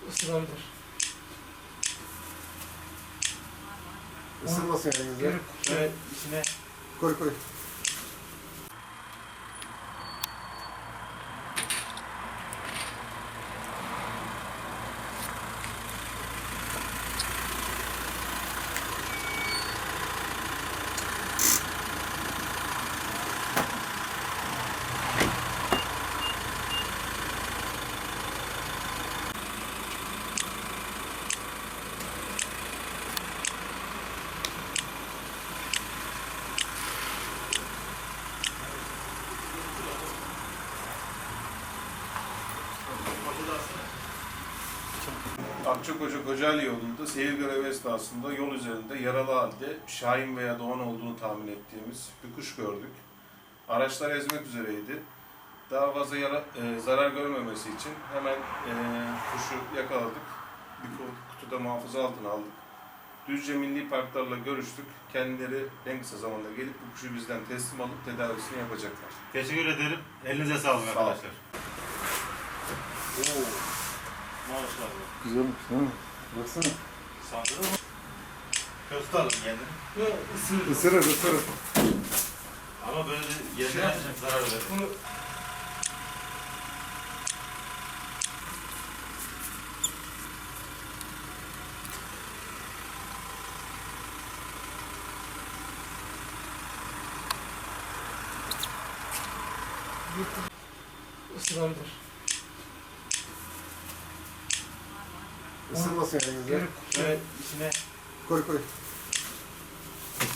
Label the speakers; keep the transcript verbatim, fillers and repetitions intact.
Speaker 1: ısırabilir.
Speaker 2: Isırmasın elinizde.
Speaker 1: Geri
Speaker 3: Evet, içine
Speaker 2: Koy koy.
Speaker 4: Akçakoca Kocaeli yolunda seyir görevi esnasında yol üzerinde yaralı halde Şahin veya Doğan olduğunu tahmin ettiğimiz bir kuş gördük. Araçlar ezmek üzereydi. Daha fazla yara, e, zarar görmemesi için hemen e, kuşu yakaladık. Bir kutuda muhafaza altına aldık. Düzce Milli Parklarla görüştük. Kendileri en kısa zamanda gelip bu kuşu bizden teslim alıp tedavisini yapacaklar.
Speaker 3: teşekkür ederim. Elinize sağlık
Speaker 4: Sağ olun.
Speaker 3: arkadaşlar. Oo. Maşallah.
Speaker 2: Güzelmiş değil mi? Baksana.
Speaker 3: Sandırır mı? Köfte alın kendini.
Speaker 1: Yok, ısırır.
Speaker 2: Isırır ısırır.
Speaker 3: Ama böyle
Speaker 1: Şey
Speaker 3: yerine
Speaker 1: yapacağım.
Speaker 3: zarar verir.
Speaker 1: Bunu ısırabilir.
Speaker 2: Isırmasın elinizde.
Speaker 1: Geri
Speaker 3: Evet, içine
Speaker 2: Koy koy.